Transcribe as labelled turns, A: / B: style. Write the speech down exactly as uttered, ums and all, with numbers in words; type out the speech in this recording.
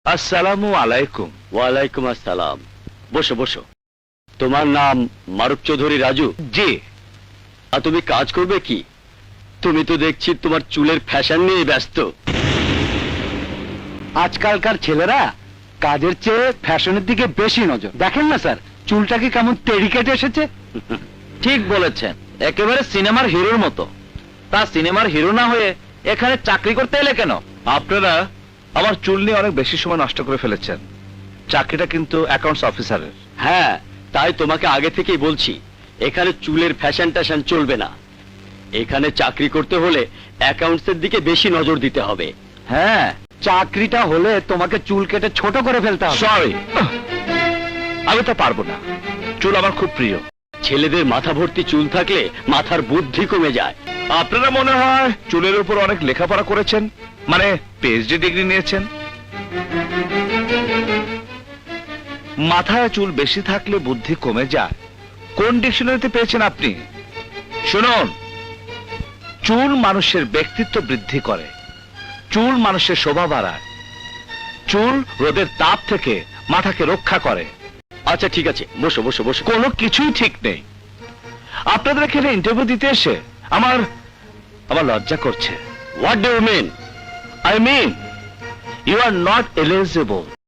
A: আসসালামু আলাইকুম।
B: ওয়ালাইকুম আসসালাম। বসো বসো। তোমার নাম মারুফ চৌধুরী রাজু?
A: জি।
B: আর তুমি কাজ করবে কি? তুমি তো দেখছি তোমার চুলের ফ্যাশন নিয়ে ব্যস্ত।
C: আজকালকার ছেলেরা কাজের চেয়ে ফ্যাশনের দিকে বেশি নজর। দেখেন না স্যার, চুলটাকে কেমন তেড়ি কেটে এসেছে।
A: ঠিক বলেছেন, একেবারে সিনেমার হিরোর মতো। তা সিনেমার হিরো না হয়ে এখানে চাকরি করতে এলে কেন? আপনারা আমার চুল নিয়ে অনেক বেশি সময় নষ্ট করে ফেলেছেন। চাকরিটা কিন্তু অ্যাকাউন্টস অফিসারের।
B: হ্যাঁ, তাই তোমাকে আগে থেকেই বলছি, এখানে চুলের ফ্যাশন ট্যাশন চলবে না। এখানে চাকরি করতে হলে অ্যাকাউন্টসের দিকে বেশি নজর দিতে হবে।
C: হ্যাঁ, চাকরিটা হলে তোমাকে চুল কেটে ছোট করে ফেলতে হবে।
A: সরি, আমি তো পারবো না। চুল আমার খুব প্রিয়।
B: ছেলেদের মাথা ভর্তি চুল থাকলে মাথার বুদ্ধি কমে যায়।
A: আপনারা মনে হয় চুলের উপর অনেক লেখাপড়া করেছেন, মানে পিএইচডি ডিগ্রি নিয়েছেন। মাথায় চুল বেশি থাকলে বুদ্ধি কমে যায়, কোন ডিকশনারিতে পেয়েছেন আপনি? শুনুন, চুল মানুষের ব্যক্তিত্ব বৃদ্ধি করে, চুল মানুষের শোভা বাড়ায়, চুল রোদের তাপ থেকে মাথাকে রক্ষা করে।
B: আচ্ছা ঠিক আছে, বসো বসো বসো।
A: কোনো কিছুই ঠিক নেই। আপনাদের এখানে ইন্টারভিউ দিতে এসে আমার আমার লজ্জা করছে।
B: What do you mean?
A: I mean, you are not eligible